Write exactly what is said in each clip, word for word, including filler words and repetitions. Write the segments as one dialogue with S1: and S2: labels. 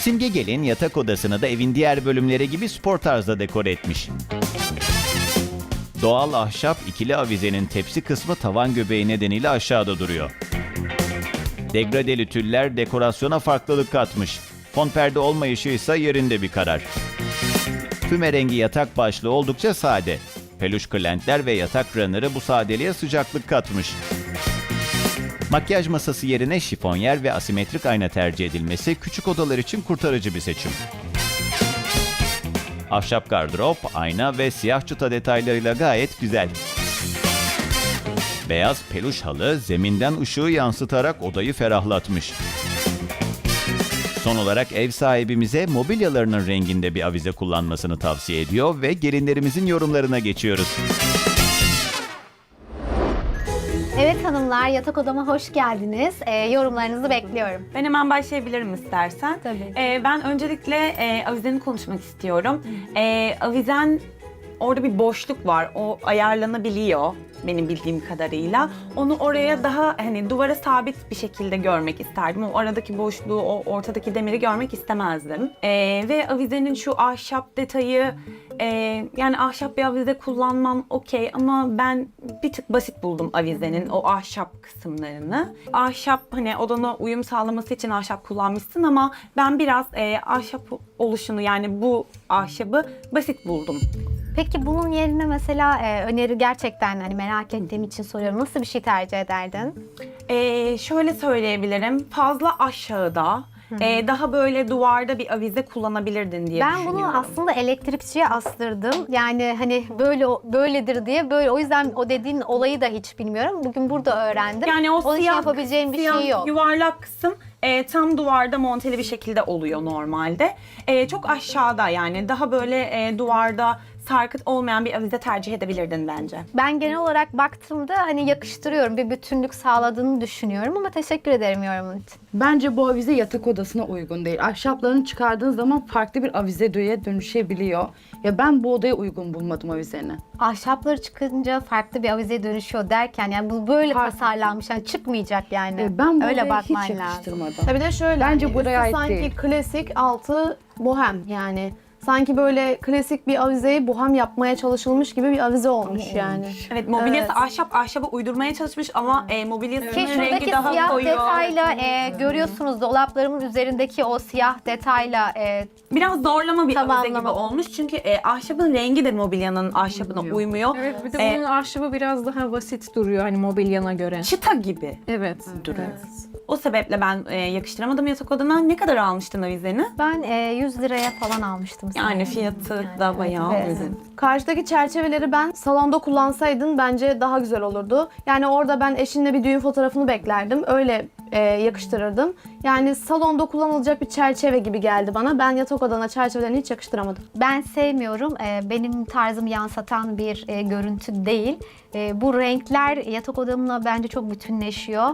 S1: Simge Gelin yatak odasını da evin diğer bölümleri gibi spor tarzda dekore etmiş. Doğal ahşap ikili avizenin tepsi kısmı tavan göbeği nedeniyle aşağıda duruyor. Degradeli tüller dekorasyona farklılık katmış. Fon perde olmayışı ise yerinde bir karar. Füme rengi yatak başlığı oldukça sade. Peluş kırlentler ve yatak runner'ı bu sadeliğe sıcaklık katmış. Makyaj masası yerine şifonyer ve asimetrik ayna tercih edilmesi küçük odalar için kurtarıcı bir seçim. Ahşap gardırop, ayna ve siyah çıta detaylarıyla gayet güzel. Beyaz peluş halı zeminden ışığı yansıtarak odayı ferahlatmış. Son olarak ev sahibimize mobilyalarının renginde bir avize kullanmasını tavsiye ediyor ve gelinlerimizin yorumlarına geçiyoruz.
S2: Evet hanımlar, yatak odama hoş geldiniz. Ee, yorumlarınızı bekliyorum.
S3: Ben hemen başlayabilirim istersen.
S2: Tabii.
S3: Ee, ben öncelikle e, avizeni konuşmak istiyorum. E, avizen, orada bir boşluk var. O ayarlanabiliyor benim bildiğim kadarıyla. Onu oraya daha hani duvara sabit bir şekilde görmek isterdim. O aradaki boşluğu, o ortadaki demiri görmek istemezdim. E, ve avizenin şu ahşap detayı, e, yani ahşap bir avize kullanmam okey ama ben bir tık basit buldum avizenin o ahşap kısımlarını. Ahşap, hani odana uyum sağlaması için ahşap kullanmışsın ama ben biraz e, ahşap oluşunu, yani bu ahşabı basit buldum.
S2: Peki bunun yerine mesela e, öneri gerçekten hani merak ettiğim için soruyorum. Nasıl bir şey tercih ederdin?
S3: Ee, şöyle söyleyebilirim, fazla aşağıda, e, daha böyle duvarda bir avize kullanabilirdin diye
S2: Ben
S3: düşünüyorum.
S2: bunu aslında elektrikçiye astırdım. Yani hani böyle böyledir diye böyle, o yüzden o dediğin olayı da hiç bilmiyorum. Bugün burada öğrendim.
S3: Yani o
S2: Onun için
S3: siyah,
S2: yapabileceğim bir
S3: siyah
S2: şey yok.
S3: yuvarlak kısım e, tam duvarda monteli bir şekilde oluyor normalde. E, çok aşağıda, yani daha böyle e, duvarda sarkıt olmayan bir avize tercih edebilirdin bence.
S2: Ben genel olarak baktığımda hani yakıştırıyorum, bir bütünlük sağladığını düşünüyorum ama teşekkür ederim yorumun için.
S4: Bence bu avize yatak odasına uygun değil. Ahşaplarını çıkardığın zaman farklı bir avizeye dönüşebiliyor. Ya ben bu odaya uygun bulmadım avizeni.
S2: Ahşapları çıkınca farklı bir avizeye dönüşüyor derken yani bu böyle
S4: Farklı.
S2: tasarlanmış, yani çıkmayacak yani.
S4: E, ben bu
S2: Öyle
S4: odaya
S2: bakman
S4: hiç
S2: lazım.
S4: yakıştırmadım.
S5: Tabii de şöyle,
S4: Bence
S5: hani
S4: buraya
S5: üstü
S4: ait
S5: sanki
S4: değil.
S5: klasik, altı bohem yani. Sanki böyle klasik bir avizeyi bohem yapmaya çalışılmış gibi bir avize olmuş yani.
S3: Evet, mobilyası
S5: Evet.
S3: ahşap, ahşaba uydurmaya çalışmış ama e, mobilyasının
S2: Ki şuradaki
S3: rengi daha
S2: siyah
S3: koyu.
S2: detayla e, görüyorsunuz dolaplarımın üzerindeki o siyah detayla e,
S3: Biraz zorlama bir avize
S2: Tamamlama.
S3: gibi olmuş çünkü e, ahşabın rengi de mobilyanın ahşabına uymuyor.
S6: Evet, bir de
S3: Ee,
S6: bunun ahşabı biraz daha basit duruyor hani mobilyana göre.
S3: Çıta gibi
S6: Evet.
S3: duruyor. O sebeple ben e, yakıştıramadım yatak odana. Ne kadar almıştın avizeni?
S2: ben e, yüz liraya falan almıştım.
S3: Yani
S2: sanırım.
S3: fiyatı da bayağı
S2: evet.
S3: uygun.
S5: Karşıdaki çerçeveleri ben salonda kullansaydın bence daha güzel olurdu. Yani orada ben eşinle bir düğün fotoğrafını beklerdim. Öyle e, yakıştırırdım. Yani salonda kullanılacak bir çerçeve gibi geldi bana. Ben yatak odana çerçevelerini hiç yakıştıramadım.
S2: Ben sevmiyorum. E, benim tarzımı yansıtan bir e, görüntü değil. E, bu renkler yatak odamla bence çok bütünleşiyor.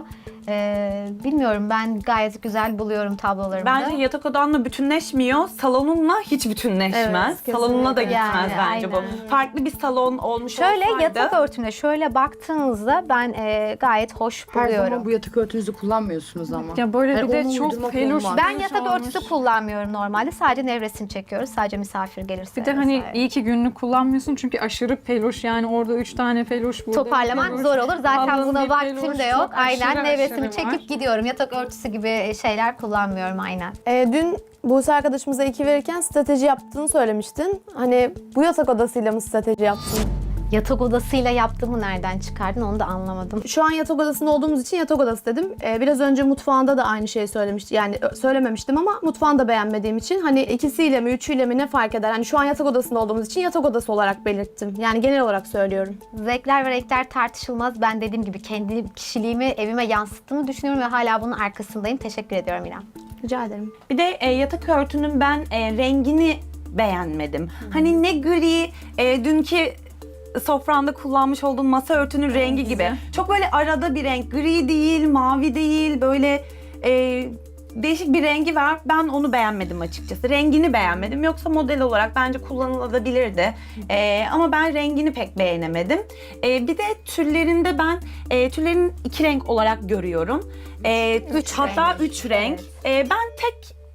S2: E, bilmiyorum, ben gayet güzel buluyorum tablolarımda.
S3: Bence yatak odanla bütünleşmiyor, salonunla hiç bütünleşmez.
S5: Evet,
S3: salonuna da
S5: kesinlikle.
S3: gitmez
S2: Yani,
S3: bence
S2: aynen.
S3: bu. Farklı bir salon olmuş
S2: Şöyle
S3: olsaydı.
S2: yatak örtümle şöyle baktığınızda ben e, gayet hoş
S4: Her
S2: buluyorum.
S4: zaman bu yatak örtünüzü kullanmıyorsunuz ama.
S6: Ya böyle
S4: Yani
S6: bir de
S4: onu
S6: çok
S4: uydurmak
S6: peluş.
S4: olmaz.
S2: Ben
S6: peluş
S2: yatak
S6: olmuş.
S2: örtüsü kullanmıyorum normalde. Sadece nevresini çekiyoruz. Sadece misafir gelirse.
S6: Bir de hani
S2: vesaire.
S6: iyi ki günlük kullanmıyorsun çünkü aşırı peluş, yani orada üç tane peluş, burada bir
S2: Toparlamak
S6: peluş.
S2: zor olur. Zaten
S6: Kalın
S2: buna
S6: bir
S2: vaktim
S6: peluş,
S2: de yok.
S6: çok aşırı
S2: Aynen nevresimi
S6: aşırı
S2: çekip
S6: var.
S2: gidiyorum. Yatak örtüsü gibi şeyler kullanmıyorum aynen.
S5: E, dün Buse arkadaşımıza iki verirken strateji yaptığını söylemiştin. Hani bu yatak odasıyla mı strateji yaptın?
S2: Yatak odasıyla yaptığımı nereden çıkardın onu da anlamadım.
S5: Şu an yatak odasında olduğumuz için yatak odası dedim. Ee, biraz önce mutfağında da aynı şeyi söylemişti. Yani ö- söylememiştim ama mutfağını da beğenmediğim için hani ikisiyle mi üçüyle mi ne fark eder? Hani şu an yatak odasında olduğumuz için yatak odası olarak belirttim. Yani genel olarak söylüyorum.
S2: Zevkler ve renkler tartışılmaz. Ben dediğim gibi kendi kişiliğimi evime yansıttığını düşünüyorum ve hala bunun arkasındayım. Teşekkür ediyorum İrem.
S5: Rica ederim.
S3: Bir de e, yatak örtünün ben e, rengini beğenmedim. Hani ne gri, e, dünkü sofranda kullanmış olduğum masa örtünün rengi gibi. Çok böyle arada bir renk. Gri değil, mavi değil, böyle e, değişik bir rengi var. Ben onu beğenmedim açıkçası. Rengini beğenmedim. Yoksa model olarak bence kullanılabilirdi. E, ama ben rengini pek beğenemedim. E, bir de tüllerinde ben e, tüllerin iki renk olarak görüyorum. E,
S2: Üç
S3: hatta
S2: renk.
S3: üç renk.
S2: Evet.
S3: E, ben tek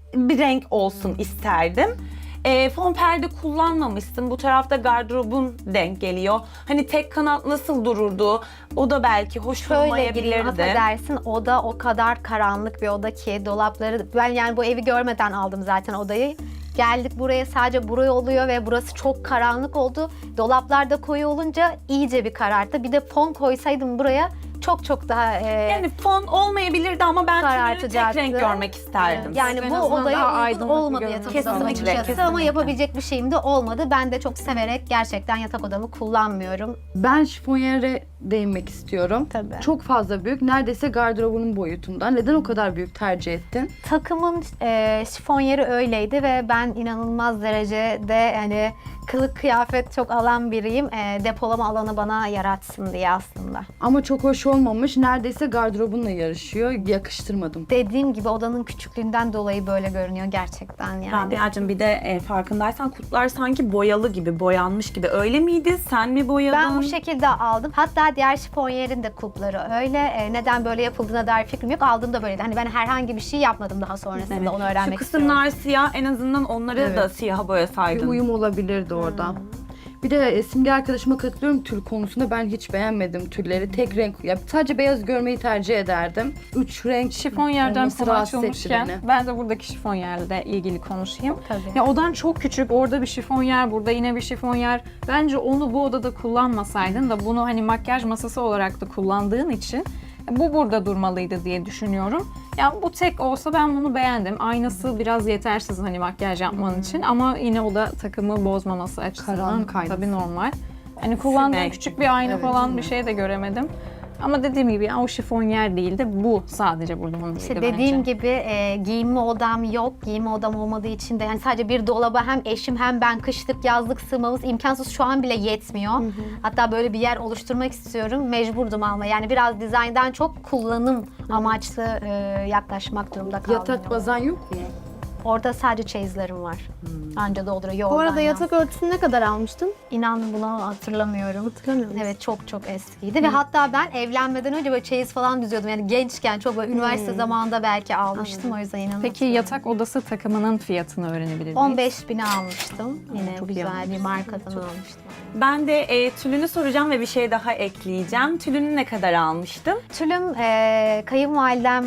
S3: bir renk olsun isterdim. E, fon perde kullanmamışsın. Bu tarafta gardırobun denk geliyor. Hani tek kanat nasıl dururdu? O da belki hoş
S2: Şöyle gireyim,
S3: olmayabilirdi.
S2: affedersin, oda o kadar karanlık bir oda ki dolapları, ben yani bu evi görmeden aldım zaten odayı. Geldik buraya, sadece buraya oluyor ve burası çok karanlık oldu. Dolaplar da koyu olunca iyice bir kararttı. Bir de fon koysaydım buraya çok çok daha e,
S3: Yani fon olmayabilirdi ama ben tülünü tek
S2: Karartacaktı.
S3: renk görmek isterdim.
S2: yani
S6: En
S2: bu
S6: azından daha
S2: odaya uygun
S6: aydınlık bir
S2: olmadı
S6: görünüm.
S2: yatak odam
S3: Kesinlikle,
S2: açıkçası ama
S3: kesinlikle.
S2: yapabilecek bir şeyim de olmadı. Ben de çok severek gerçekten yatak odamı kullanmıyorum.
S4: Ben şifonyere değinmek istiyorum.
S2: Tabii.
S4: Çok fazla büyük. Neredeyse gardırobunun boyutunda. Neden o kadar büyük tercih ettin?
S2: Takımın e, şifonyeri öyleydi ve ben inanılmaz derecede yani kılık kıyafet çok alan biriyim. E, depolama alanı bana yaratsın diye aslında.
S4: Ama çok hoş olmamış. Neredeyse gardırobunla yarışıyor. Yakıştırmadım.
S2: Dediğim gibi odanın küçüklüğünden dolayı böyle görünüyor gerçekten yani.
S3: Rabia'cığım bir de e, farkındaysan kutular sanki boyalı gibi, boyanmış gibi. Öyle miydi? Sen mi boyadın?
S2: Ben bu şekilde aldım. Hatta diğer şifonyerin de kulpları öyle. E, neden böyle yapıldığına dair fikrim yok. Aldığımda böyleydi. Hani ben herhangi bir şey yapmadım daha sonrasında.
S3: Evet.
S2: Onu öğrenmek
S3: Şu
S2: istiyorum.
S3: kısımlar siyah, en azından onları
S4: Evet.
S3: da siyaha
S4: Bir
S3: boyasaydın.
S4: uyum olabilirdi orada. Bir de e, Simge arkadaşıma katılıyorum tül konusunda. Ben hiç beğenmedim tülleri. Tek renk, ya sadece beyaz görmeyi tercih ederdim. Üç renk
S6: Şifonyerden
S4: olması
S6: konu
S4: rahatsız etti
S6: açılmışken
S4: beni.
S6: ben de buradaki şifonyerle ilgili konuşayım.
S2: Tabii.
S6: Ya odan çok küçük. Orada bir şifonyer, burada yine bir şifonyer. Bence onu bu odada kullanmasaydın da bunu hani makyaj masası olarak da kullandığın için bu burada durmalıydı diye düşünüyorum. Ya bu tek olsa ben bunu beğendim. Aynası biraz yetersiz hani makyaj yapman için ama yine o da takımı bozmaması açısından
S4: Karanlık aynası.
S6: tabii normal. Hani kullandığım
S3: Sinek.
S6: küçük bir ayna
S4: Evet,
S6: falan
S4: sinek.
S6: bir şey de göremedim. Ama dediğim gibi ya, o şifonyer değil de bu sadece burada olmalıydı
S2: İşte
S6: bence.
S2: dediğim gibi e, giyinme odam yok. Giyinme odam olmadığı için de yani sadece bir dolaba hem eşim hem ben kışlık yazlık sığmamız imkansız, şu an bile yetmiyor. Hatta böyle bir yer oluşturmak istiyorum. Mecburdum alma. Yani biraz dizayndan çok kullanım amaçlı e, yaklaşmak durumunda kaldım.
S4: Yatak bazan yok mu?
S2: Orada sadece çeyizlerim var. Anca dolduruyor.
S5: Bu
S2: oradan
S5: arada
S2: ya.
S5: yatak örtüsünü ne kadar almıştın?
S2: İnan bunu hatırlamıyorum.
S5: Hatırlamıyor musun?
S2: Evet, çok çok eskiydi ve hatta ben evlenmeden önce böyle çeyiz falan düzüyordum. Yani gençken çok böyle üniversite zamanında belki almıştım, o yüzden inanın.
S6: Peki yatak odası takımının fiyatını öğrenebilir miyiz?
S2: on beş bine almıştım. Yine
S6: çok iyi
S2: güzel bir
S6: almışsın.
S2: markadan almıştım.
S3: Ben de e, tülünü soracağım ve bir şey daha ekleyeceğim. Tülünü ne kadar almıştın?
S2: Tülüm e, kayınvalidem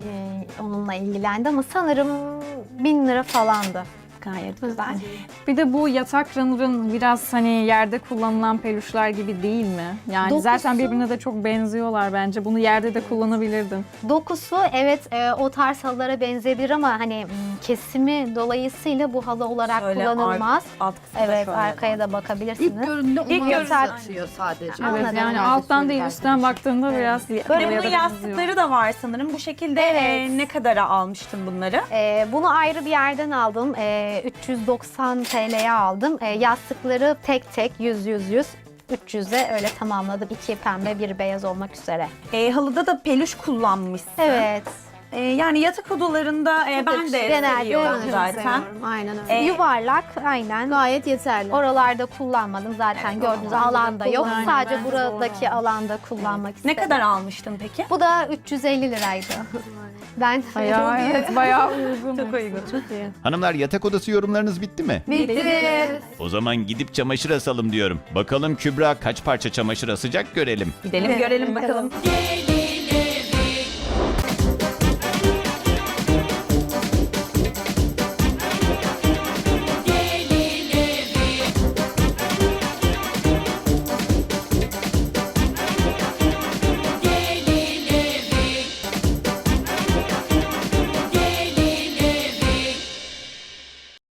S2: e, onunla ilgilendi ama sanırım bin lira falandı.
S3: Gayet güzel.
S6: Bir de bu yatak runner'ın biraz hani yerde kullanılan peluşlar gibi değil mi? Yani
S2: Dokusu-
S6: zaten birbirine de çok benziyorlar bence. Bunu yerde de kullanabilirdin.
S2: Dokusu evet e, o tarz halılara benzeyebilir ama hani m, kesimi dolayısıyla bu halı olarak
S3: Şöyle
S2: kullanılmaz.
S3: ar- alt kısmı da
S2: Evet,
S3: şöyle.
S2: arkaya da bakabilirsiniz.
S4: İlk görünümde
S3: İlk
S4: onu
S3: görünümde-
S4: yansıtıyor sadece.
S2: Anladım.
S6: Evet yani
S4: Herkes
S6: alttan değil
S4: söyledi
S6: üstten baktığında biraz
S3: Böyle
S6: halıya
S3: bunun
S6: da benziyor.
S3: yastıkları da var sanırım. Bu şekilde
S2: Evet.
S3: e, ne kadara almıştın bunları?
S2: E, bunu ayrı bir yerden aldım. E, üç yüz doksan T L'ye aldım. E, yastıkları tek tek yüz yüz yüz. üç yüze öyle tamamladım. İki pembe, bir beyaz olmak üzere.
S3: E, halıda da peluş kullanmışsın.
S2: Evet.
S3: E, yani yatak odalarında e, ben de
S2: Genelde
S3: seviyorum
S2: evet,
S3: zaten.
S5: Aynen öyle.
S3: E,
S2: Yuvarlak, aynen.
S5: Gayet yeterli.
S2: Oralarda kullanmadım zaten, gördüğünüz alanda yok.
S6: kullanmadım.
S2: Sadece
S6: Bence
S2: buradaki alanda kullanmak
S3: Ne
S2: istedim.
S3: kadar almıştın peki?
S2: Bu da üç yüz elli liraydı. Ben
S6: Bayağı, evet, bayağı uygun.
S3: Çok uygun.
S6: Çok iyi.
S1: Hanımlar, yatak odası yorumlarınız bitti mi?
S2: bitti.
S1: O zaman gidip çamaşır asalım diyorum. Bakalım Kübra kaç parça çamaşır asacak görelim.
S3: Gidelim görelim bakalım.
S2: Bakalım.